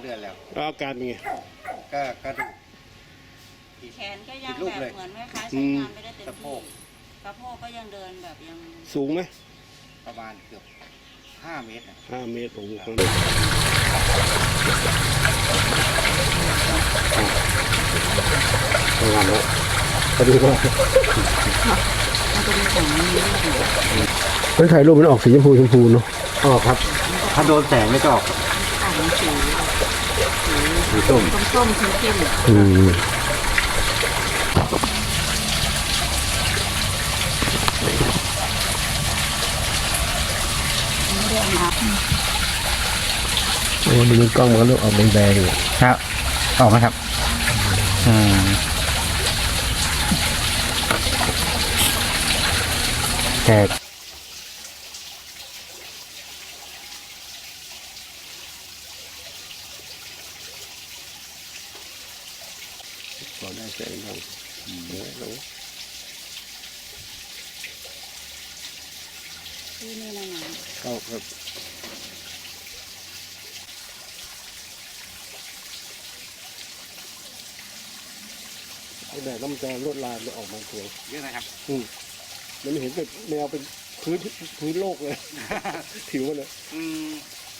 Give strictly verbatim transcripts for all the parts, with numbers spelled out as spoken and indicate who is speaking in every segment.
Speaker 1: ดือนแล้ว
Speaker 2: แล้วอาการเป็นไง
Speaker 1: ก็กระดูก
Speaker 3: แขนก็ยังแบบเหมือนแม่ค้าใช้งานไม่ได้เต็มที่สะโพกก็ยังเดินแบบยัง
Speaker 2: สูงไหม
Speaker 1: ประมาณเกือบห้าเมตร
Speaker 2: ห้าเมตรโอ้โหงามแล้วพอดีว่าถ่ายรูปมันออกสีชมพูชมพูเนาะ
Speaker 1: ออกครับถ้าโดนแสงไม่ก็ออกสีส้ม
Speaker 3: ส้มเข้ม
Speaker 2: อืมโอ้ดูกล้องมันก็เริ่มออกแดงๆเลย
Speaker 1: ครับออกไหมครับอืมแตก
Speaker 2: พอได้แสงบ้างแล้ว
Speaker 3: ที่นี่นะนะ
Speaker 2: เข้าครับไอ้แดดน้ำจะลวดลายมันออกมาสวย
Speaker 1: เยอะนะครับ
Speaker 2: อืมมันเห็นเป็นแนวเป็นพื้นพื้นโลกเลย ผิวมันเลย
Speaker 1: อืม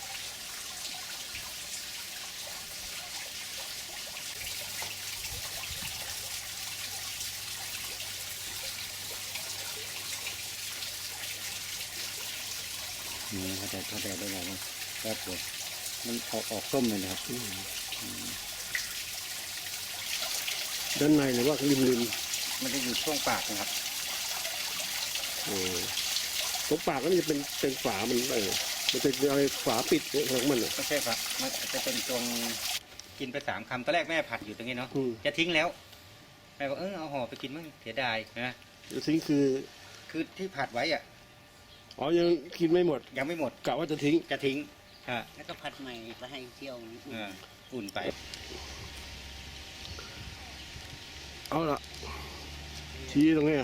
Speaker 1: นี่เขาจะเขาจะได้ไงมันแป๊บเดียวมันออกออกส้มเลยนะครับ
Speaker 2: ด้านในหรือว่าริมริม
Speaker 1: มันจะอยู่ช่วงปากนะครับ
Speaker 2: โอ้ตรงปากก็จะเป็นเป็นฝามันเออมันจะอะไรฝาปิดของมันอ่ะ
Speaker 1: ไม่ใช่ครับมันจะเป็นตรงกินไปสามคำตอนแรกแม่ผัดอยู่ตรงนี้เนาะจะทิ้งแล้วแม่บอกเออเอาห่อไปกินมั่งเสียดายนะ
Speaker 2: จะทิ้งคือ
Speaker 1: คือที่ผัดไว้อ่ะ
Speaker 2: อ๋อยังกินไม่หมด
Speaker 1: ยังไม่หมด
Speaker 2: กะว่าจะทิ้ง
Speaker 1: จะทิ้งฮะ
Speaker 3: แล้วก็ผัดใหม่ไปให้เที่ยว
Speaker 1: อุ่นไป
Speaker 2: เอาละชี้ตรงนี้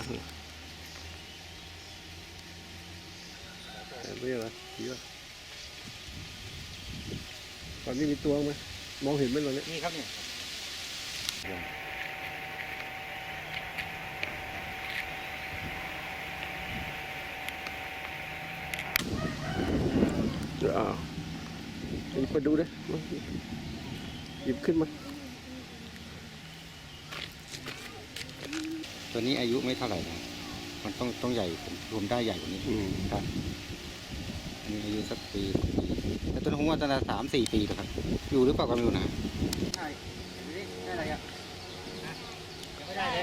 Speaker 2: เรียกอะไรชี้ว่าตอนนี้มีตัวไหมมองเห็นไหมตอนนี้
Speaker 1: นี่ครับเนี่ย
Speaker 2: เดี๋ยวอ่าหยิบมาดูดิหยิบขึ้นมา
Speaker 1: ตัวนี้อายุไม่เท่าไหร่นะมันต้องต้องใหญ่ผมรวมได้ใหญ่กว่านี้ครับอันนี้อายุสักปีแต่ต้นหงว่าตั้งแต่สามสี่ปีแล้วครับอยู่หรือเปล่าก็ไม่รู้นะใช่ได้อะไรอ่ะยังไม่ได้เลย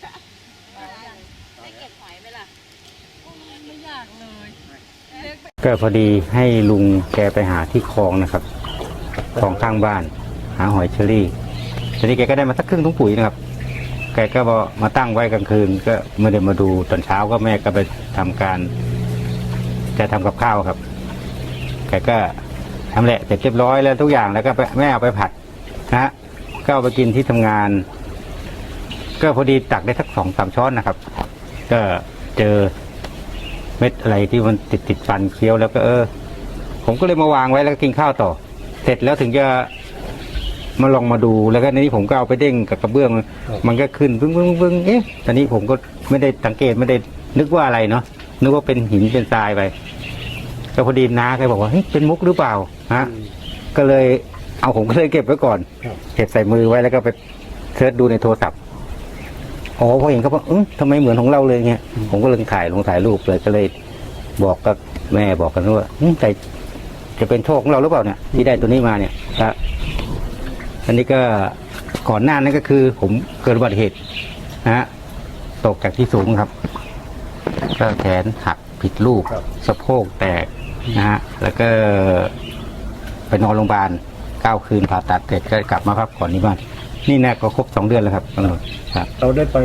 Speaker 3: ได้เก็บหอยไหมล่ะไม่อยากเลย
Speaker 1: ก็พอดีให้ลุงแกไปหาที่คลองนะครับคลองข้างบ้านหาหอยเชอรี่ทีนี้แกก็ได้มาสักครึ่งถุงปุ๋ยนะครับแกก็มาตั้งไว้กลางคืนก็ไม่ได้มาดูตอนเช้าก็แม่ก็ไปทำการจะทำกับข้าวครับแกก็ทำแหละเสร็จเรียบร้อยแล้วทุกอย่างแล้วก็แม่เอาไปผัดนะฮะก็เอาไปกินที่ทำงานก็พอดีตักได้สักสองสามช้อนนะครับก็เจอเม็ดอะไรที่มันติดติดฟันเคี้ยวแล้วก็เออผมก็เลยมาวางไว้แล้วก็กินข้าวต่อเสร็จแล้วถึงจะมาลองมาดูแล้วก็ในนี้ผมก็เอาไปเด้งกับกระเบื้องมันก็ขึ้นปึ้งปึ้งปึ้งเอ๊ะตอนนี้ผมก็ไม่ได้สังเกตไม่ได้นึกว่าอะไรเนาะนึกว่าเป็นหินเป็นทรายไปก็พอดีน้าแกบอกว่าเฮ้ยเป็นมุกหรือเปล่าฮะก็เลยเอาผมก็เลยเก็บไว้ก่อนเก็บใส่มือไว้แล้วก็ไปเสิร์ชดูในโทรศัพท์อ๋อพอเห็นเขาบอกเออทำไมเหมือนของเราเลยเงี้ยผมก็เลยถ่ายลงถ่ายรูปเลยก็เลยบอกกับแม่บอกกันว่าแต่จะเป็นโชคของเราหรือเปล่าเนี่ยที่ได้ตัวนี้มาเนี่ยครับอันนี้ก็ก่อนหน้านั้นก็คือผมเกิดอุบัติเหตุนะฮะตกจากที่สูงครับก็แขนหักผิดรูปสะโพกแตกนะฮะแล้วก็ไปนอนโรงพยาบาลเก้าคืนผ่าตัดเสร็จก็กลับมาพักผ่อนที่บ้านนี่แน่ก็ครบสองเดือนแล้วครับตำรวจครับ
Speaker 2: เราได้ไป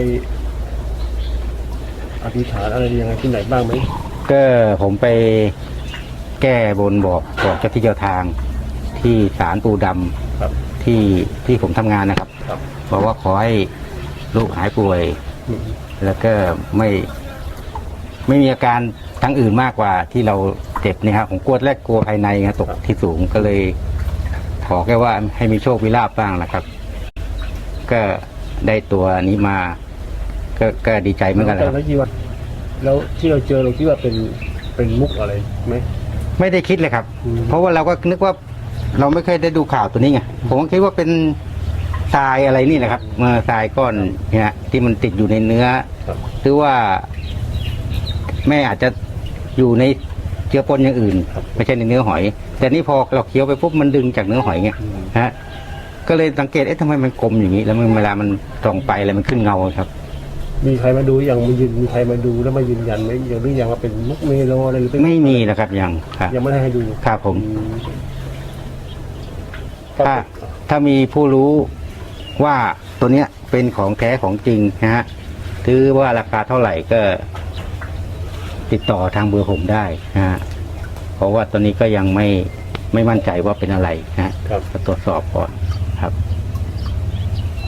Speaker 2: อธิษฐานอะไรยังไงที่ไหนบ้างไหม
Speaker 1: ก็ผมไปแก้บนบอกบอกเจ้าที่เจ้าทางที่ศาลปู่ดำที่ที่ผมทำงานนะครับบอกว่าขอให้ลูกหายป่วยแล้วก็ไม่ไม่มีอาการทั้งอื่นมากกว่าที่เราเจ็บเนี่ยครับผมกลัวแรกกลัวภายในตกที่สูงก็เลยทขอแค่ว่าให้มีโชคมีลาภบ้างนะครับ ก็ได้ตัวนี้มา ก็ก็ดีใจเหมือนกันแหละครับ
Speaker 2: แล้วคิดว่าแล้วที่เราเจอเราคิดว่าเป็นเป็นมุกอะไรไหม
Speaker 1: ไม่ได้คิดเลยครับ
Speaker 2: อืม
Speaker 1: เพราะว่าเราก็นึกว่า เราไม่เคยได้ดูข่าวตัวนี้ไงผมก็คิดว่าเป็นทรายอะไรนี่แหละครับเมื่อทรายก้อนเนี่ยที่มันติดอยู่ในเนื้อ
Speaker 2: ครับ
Speaker 1: หรือว่า แม่อาจจะอยู่ในเชื้อปนอย่างอื่น ไม่ใช่ในเนื้อหอย แต่นี่พอเราเคี้ยวไปปุ๊บมันดึงจากเนื้อหอยไงฮะก็เลยสังเกตเอ๊ะทำไมมันกลมอย่างนี้ แล้วมันเวลามันส่องไปอะไรมันขึ้นเงาครับ
Speaker 2: มีใครมาดูอย่างมายืนมีใครมาดูแล้วมายืนยันไหมอย่างหรือยังว่าเป็นมุกเมโลอะไรหรือเป็น
Speaker 1: ไม่มีนะครับยังครับ
Speaker 2: ยังไม่ได้ให้ดู
Speaker 1: ครับผม
Speaker 2: อืม
Speaker 1: ถ้าถ้ามีผู้รู้ว่าตัวเนี้ยเป็นของแท้ของจริงนะฮะถือว่าราคาเท่าไหร่ก็ติดต่อทางเบอร์ผมได้นะฮะเพราะว่าตอนนี้ก็ยังไม่ไม่มั่นใจว่าเป็นอะไรนะฮะ
Speaker 2: ครับ
Speaker 1: ก็ตรวจสอบก่อนครับ